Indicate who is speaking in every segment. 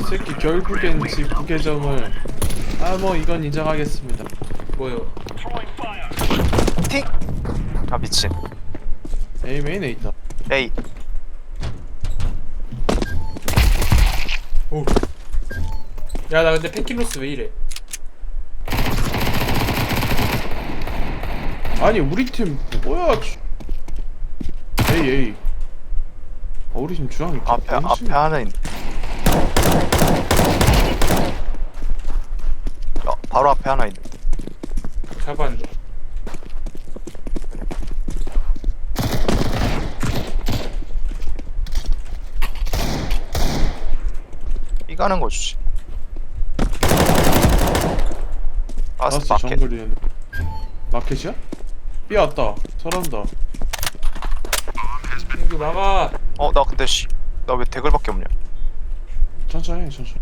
Speaker 1: 새끼 결국엔 지 부계정을 뭐 이건 인정하겠습니다.
Speaker 2: 뭐요?
Speaker 3: 틱! 아 미친.
Speaker 1: A 메인에 있다.
Speaker 3: 에이.
Speaker 2: 오. 야, 나 근데 펜킬로스 왜 이래?
Speaker 1: 아니 우리 팀 뭐야? A. 우리 팀 주황이
Speaker 3: 앞에 하나 있네. 바로 앞에 하나 있네.
Speaker 2: 잡았는데.
Speaker 3: 이 가는 거 주지.
Speaker 1: 라스
Speaker 3: 마켓.
Speaker 1: 정글이네. 마켓이야? B 왔다. 잘한다.
Speaker 2: 이거 막아.
Speaker 3: 나 근데 나 왜 대글밖에 없냐?
Speaker 1: 천천히 해, 천천히.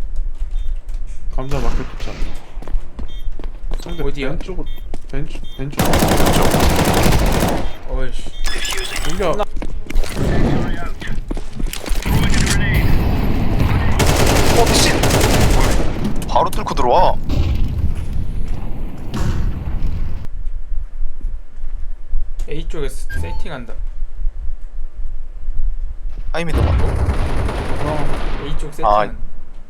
Speaker 1: 감자 마켓 도착. 상대
Speaker 2: 어디야?
Speaker 1: 왼쪽.
Speaker 2: 어이씨.
Speaker 1: 공격.
Speaker 3: 미친! 바로 뚫고 들어와.
Speaker 2: A 쪽에 세팅한다.
Speaker 3: 하이미드 봐.
Speaker 2: A 쪽
Speaker 3: 아.
Speaker 2: 세팅한다.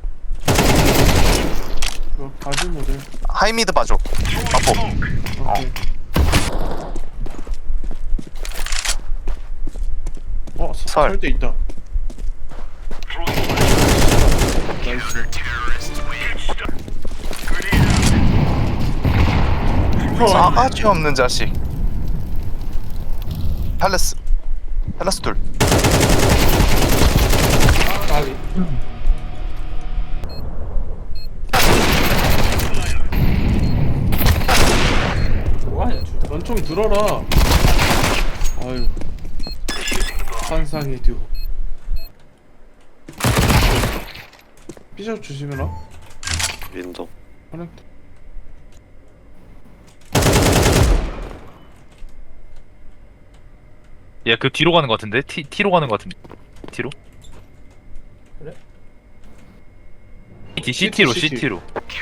Speaker 1: 이거 가지 모델.
Speaker 3: 하이미드 봐줘. 마포.
Speaker 1: 오케이.
Speaker 3: 설.
Speaker 1: 설때 있다. 나이스.
Speaker 3: 싸가지 없는 자식. 팰레스 둘.
Speaker 2: 아비. 뭐하냐 둘 다.
Speaker 1: 원총 들어라. 아유. 환상의 듀오. 삐져 조심해라.
Speaker 4: 윈도.
Speaker 1: 커넥트.
Speaker 5: 얘 그 뒤로 가는 거 같은데? T로 가는 거 같은데? T로?
Speaker 2: 그래?
Speaker 5: CT로
Speaker 1: CT.
Speaker 5: CT로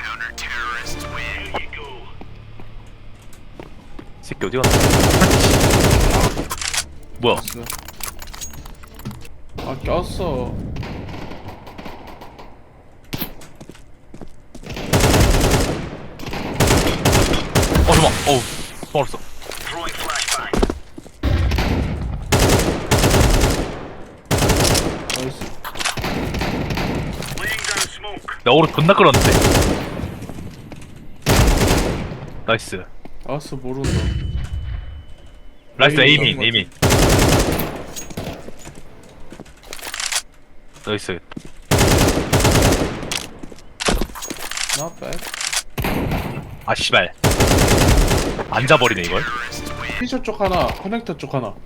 Speaker 5: 새끼 어디 갔나? 뭐야?
Speaker 1: 됐어. 꼈어.
Speaker 5: 잠깐만. 어우 멀었어.
Speaker 1: 나이스.
Speaker 5: 나 오른 존나 끌었는데. 나이스.
Speaker 1: 모른다.
Speaker 5: 나이스
Speaker 1: 에이미
Speaker 5: 에이민. 나이스.
Speaker 1: Not bad.
Speaker 5: 아 씨발. 앉아버리네 이걸.
Speaker 1: 피셔 쪽 하나, 커넥터 쪽 하나.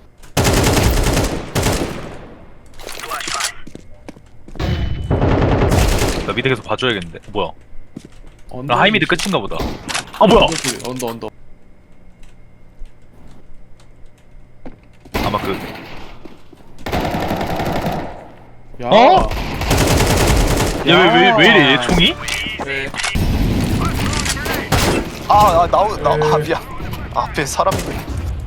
Speaker 5: 나 미드 계속 봐줘야겠는데. 뭐야?
Speaker 1: 언더
Speaker 5: 나 하이미드 끝인가 보다. 아 뭐야?
Speaker 1: 언더.
Speaker 5: 아마 그
Speaker 1: 야.
Speaker 5: 어? 왜 이래 얘 총이?
Speaker 2: 왜?
Speaker 3: 미안. 앞에 사람 있네.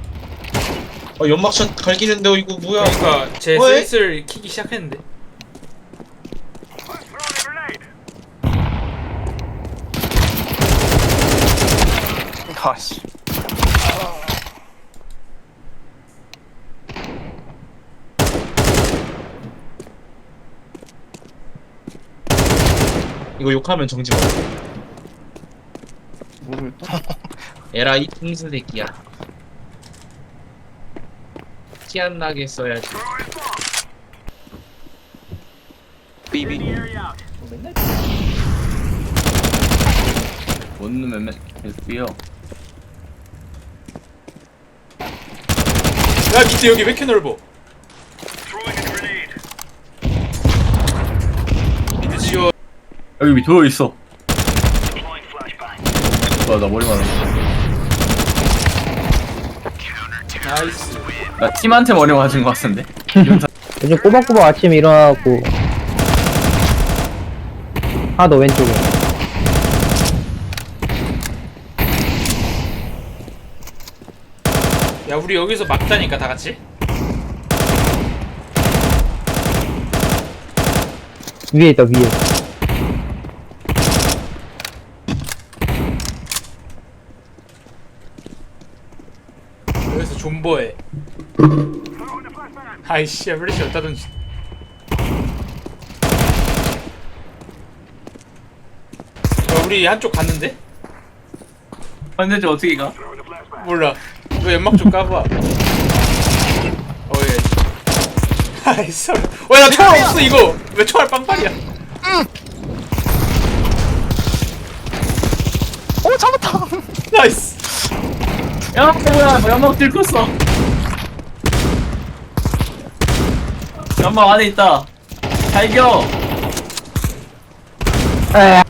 Speaker 6: 연막샷 갈기는데 이거 뭐야?
Speaker 2: 그러니까 제
Speaker 6: 왜?
Speaker 2: 슬슬 키기 시작했는데.
Speaker 3: 아씨.
Speaker 6: 이거 욕하면 정지 먹어.
Speaker 1: 모르겠다.
Speaker 6: 에라 이 풍수 새끼야. 티 안 나게 써야지.
Speaker 4: 삐삐.
Speaker 2: 맨날
Speaker 4: 원룸 맨날 계속 뛰어.
Speaker 2: 야 밑에 여기 왜 이렇게 넓어? 밑에 지워.
Speaker 4: 여기 밑에 있어. 나 머리 맞았어.
Speaker 2: 나이스.
Speaker 4: 나 팀한테 머리 맞은 거 같은데?
Speaker 7: 요즘 꼬박꼬박 아침에 일어나갖고 하나 더 왼쪽에.
Speaker 2: 야 우리 여기서 막다니까 다 같이.
Speaker 7: 위에 있다, 위에.
Speaker 2: 여기서 존버해. 아이씨 야 플래시 어디다 던지. 야 우리 한쪽 갔는데?
Speaker 4: 반대쪽 어떻게 가?
Speaker 2: 몰라. 너 연막 좀 까봐. 어예. 아이씨. 왜나 총알 없어 이거? 왜 총알 빵빵이야?
Speaker 3: 오 잡았다.
Speaker 2: 나이스.
Speaker 4: 야 뭐야 연막 들켰어. 연막 안에 있다. 발견.
Speaker 7: 에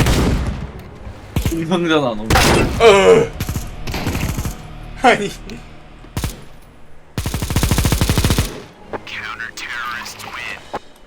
Speaker 4: 이성전화 너무.
Speaker 2: 아니